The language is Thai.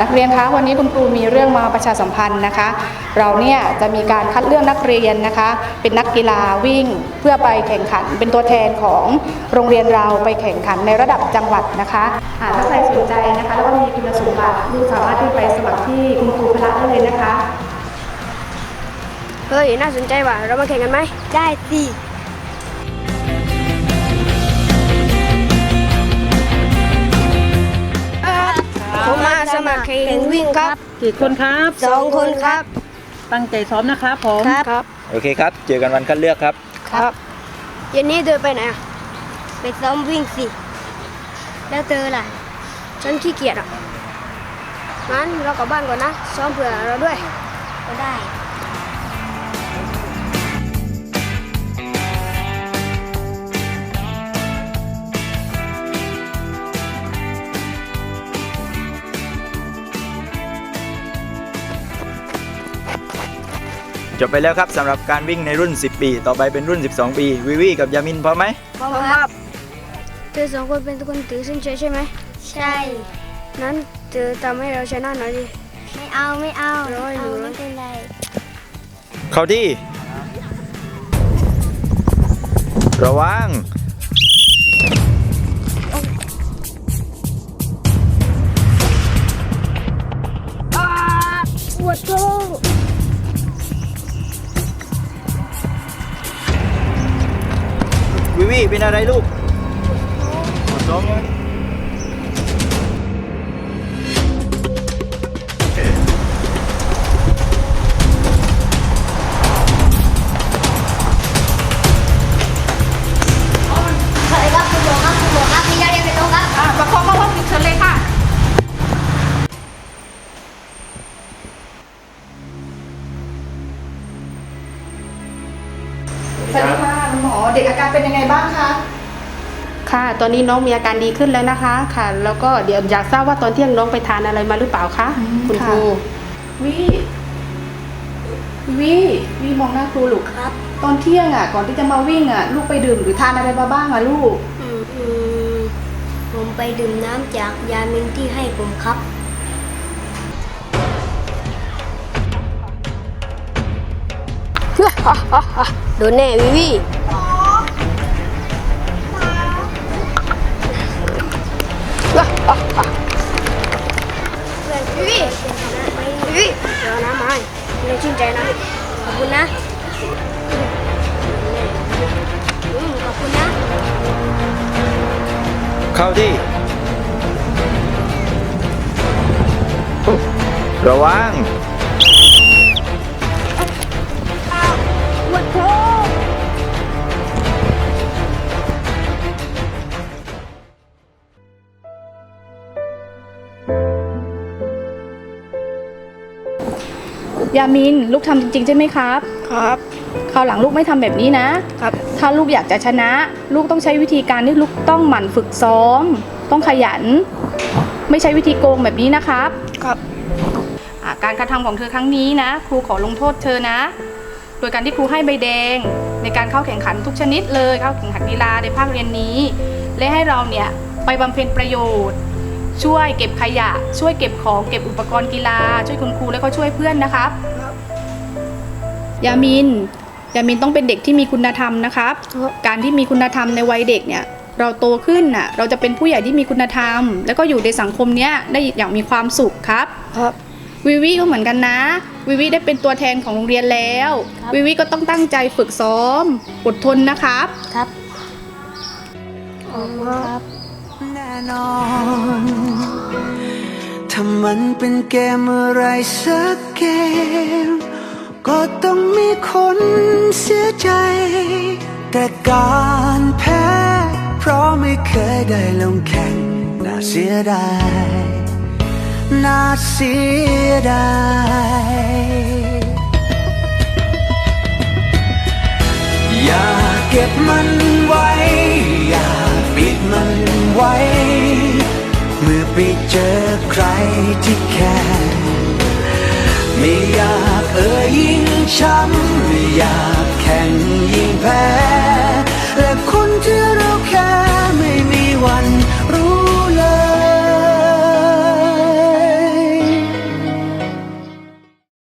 กเรียนคะวันนี้คุณครูมีเรื่องมาประชาสัมพันธ์นะคะเราเนี่ยจะมีการคัดเลือกนักเรียนนะคะเป็นนักกีฬาวิ่งเพื่อไปแข่งขันเป็นตัวแทนของโรงเรียนเราไปแข่งขันในระดับจังหวัดนะคะถ้าใครสนใจนะคะแล้วก็มีคุณสมบัติลูกสามารถที่ไปสมัครที่คุณครูพละได้เลยนะคะเฮ้ยน่าสนใจว่ะเรามาแข่งกันไหมได้สิผมมาสมัครแข่งวิ่งครับกี่คนครับ 2 คนครับตั้งใจซ้อมนะครับผมครับโอเคครับเจอกันวันคัดเลือกครับครับเย็นนี้เธอไปไหนไปซ้อมวิ่งสิแล้วเธอล่ะฉันขี้เกียจอ่ะงั้นเรากลับบ้านก่อนนะซ้อมเผื่อเราด้วยก็ได้จบไปแล้วครับสำหรับการวิ่งในรุ่น 10 ปีต่อไปเป็นรุ่น 12 ปีวิวีกับยามินพร้อมไหมพร้อมครับเธอ2 คนเป็นคนถือเส้นชัยใช่ไหมใช่นั้นเธอทำให้เราชนะหน่อยดิไม่เอาไม่เป็นไรเข้าที่ระวังปวดท้องวิวีเป็นอะไรลูกปวดท้องเลยประคองเข้าห้องฉุกเฉินเลยค่ะสวัสดีค่ะคุณหมอเด็กอาการเป็นยังไงบ้างคะค่ะตอนนี้น้องมีอาการดีขึ้นแล้วนะคะค่ะแล้วก็เดี๋ยวอยากทราบว่าตอนเที่ยงน้องไปทานอะไรมาหรือเปล่าคะคุณครูวิมองหน้าครูลูกครับตอนเที่ยงก่อนที่จะมาวิ่งลูกไปดื่มหรือทานอะไรมาบ้างลูกผมไปดื่มน้ำจากยามินที่ให้ผมครับโดนแน่วิวีวิเดี๋ยวน้ำมาให้ชื่นใจนะขอบคุณนะขอบคุณนะเข้าที่ระวังปวดท้องยามินลูกทำจริงๆใช่ไหมครับครับคราวหลังลูกไม่ทำแบบนี้นะครับถ้าลูกอยากจะชนะลูกต้องใช้วิธีการที่ลูกต้องหมั่นฝึกซ้อมต้องขยันไม่ใช่วิธีโกงแบบนี้นะครับครับการกระทำของเธอครั้งนี้นะครูขอลงโทษเธอนะโดยการที่ครูให้ใบแดงในการเข้าแข่งขันทุกชนิดเลยเข้าแข่งขันกีฬาในภาคเรียนนี้และให้เราเนี่ยไปบำเพ็ญประโยชน์ช่วยเก็บขยะช่วยเก็บของเก็บอุปกรณ์กีฬาช่วยคุณครูและก็ช่วยเพื่อนนะครับยามินต้องเป็นเด็กที่มีคุณธรรมนะครับการที่มีคุณธรรมในวัยเด็กเนี่ยเราโตขึ้นเราจะเป็นผู้ใหญ่ที่มีคุณธรรมแล้วก็อยู่ในสังคมเนี้ยได้อย่างมีความสุขครับวิวีก็เหมือนกันนะวิวีได้เป็นตัวแทนของโรงเรียนแล้ววิวีก็ต้องตั้งใจฝึกซ้อมอดทนนะครับครับครับแน่นอนถ้ามันเป็นเกมอะไรสักเกมก็ต้องมีคนเสียใจแต่การแพ้เพราะไม่เคยได้ลงแข่งน่าเสียดายน่าเสียดายอย่าเก็บมันไว้อย่าปิดมันไว้เมื่อไปเจอใครที่แค่ไม่อยากยิ่งช้ำไม่อยากแข่งยิ่งแพ้